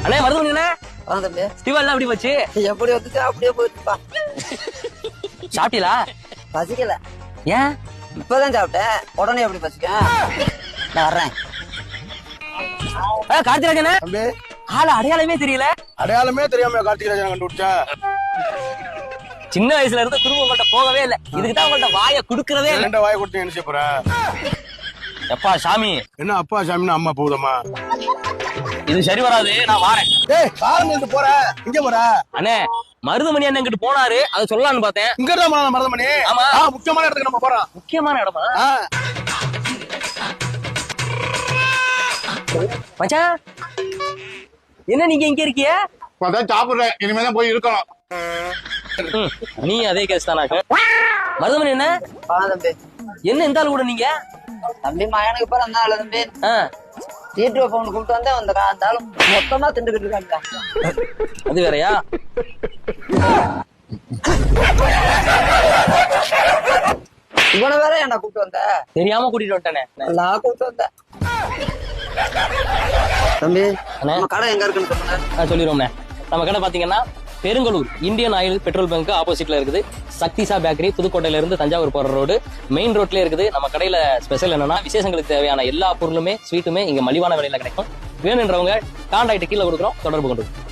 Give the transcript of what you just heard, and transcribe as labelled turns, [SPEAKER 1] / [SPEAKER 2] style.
[SPEAKER 1] அண்ணே மருதுமணிண்ணே
[SPEAKER 2] தம்பி
[SPEAKER 1] ஸ்டீவன் எப்படி போச்சு?
[SPEAKER 2] எப்படி வந்துச்சு அப்படியே போயிட்டுப்பா.
[SPEAKER 1] சாப்பிட்டீங்களா?
[SPEAKER 2] பசிக்கல,
[SPEAKER 1] ஏன்?
[SPEAKER 2] இப்பதான் சாப்பிட்டேன். உடனே எப்படி பசிக்க? நான் வர்றேன்.
[SPEAKER 1] கார்த்திராஜனே
[SPEAKER 3] தம்பி
[SPEAKER 1] ஆளு அடையாளமே தெரியல.
[SPEAKER 3] அடையாளமே தெரியாம கார்த்திகராஜன் கண்டுபிடிச்சா?
[SPEAKER 1] சின்ன வயசுல இருந்து குடும்பம் உங்கள்ட்ட போகவே இல்லை. இதுக்குதான் உங்கள்ட்ட வாயை குடுக்கறதே இல்லை.
[SPEAKER 3] ரெண்ட வாயை கொடுத்து என்ன செய்ய போற?
[SPEAKER 1] எப்பா சாமி,
[SPEAKER 3] என்ன அப்பா சாமின்னு அம்மா போகுதம்மா?
[SPEAKER 1] இது சரி வராது, நான் வாரேன்.
[SPEAKER 3] ஏய் காரணம் எடுத்து போற, இங்க போற?
[SPEAKER 1] அண்ணே மருதுமணி அண்ணன் கிட்ட போனாரு, அதை சொல்லலாம்னு பார்த்தேன்.
[SPEAKER 3] இங்க தான் மருதமணி.
[SPEAKER 1] ஆமா.
[SPEAKER 3] முக்கியமான இடத்துக்கு நம்ம போறோம்.
[SPEAKER 1] முக்கியமான இடமா? மச்சான் என்ன நீங்க இங்க இருக்கிய?
[SPEAKER 3] சாப்பிடுறேன், இனிமேதான் போய் இருக்கணும்.
[SPEAKER 1] நீ அதே கேஸ் தானாக்க? மருதமணி என்ன
[SPEAKER 2] தம்பி
[SPEAKER 1] என்ன இந்த ஆளு கூட நீங்க?
[SPEAKER 2] தம்பி மகனுக்கு பேர் அந்த ஆளு தம்பி. தீட்டு வைப்பவனு கூப்பிட்டு வந்தேன். அந்த ஆளு மொத்தமா திண்டுக்கிட்டு இருக்காங்க.
[SPEAKER 1] அது வேறையா?
[SPEAKER 2] இவனை வேற என்ன கூப்பிட்டு வந்த?
[SPEAKER 1] தெரியாம கூட்டிட்டு வந்துட்டேனே.
[SPEAKER 2] நான் கூப்பிட்டு வந்தேன். தம்பி
[SPEAKER 1] அண்ணே.
[SPEAKER 2] நம்ம கடை எங்க இருக்குன்னு சொல்லுங்க.
[SPEAKER 1] சொல்லிடுவோம்ண்ணே. நம்ம கடை பாத்தீங்கன்னா Perungalur Indian oil petrol bunk ஆப்போசிட்ல இருக்குது. சக்திசா பேக்கரி, புதுக்கோட்டையில இருந்து தஞ்சாவூர் போற ரோடு மெயின் ரோட்லயே இருக்குது. நம்ம கடையில ஸ்பெஷல் என்னன்னா, விசேஷங்களுக்கு தேவையான எல்லா பொருளுமே ஸ்வீட்டுமே இங்க மலிவான விலையில கிடைக்கும். வேணுன்றவங்க கான்டாக்ட் கீழே கொடுக்குறோம், தொடர்பு கொண்டு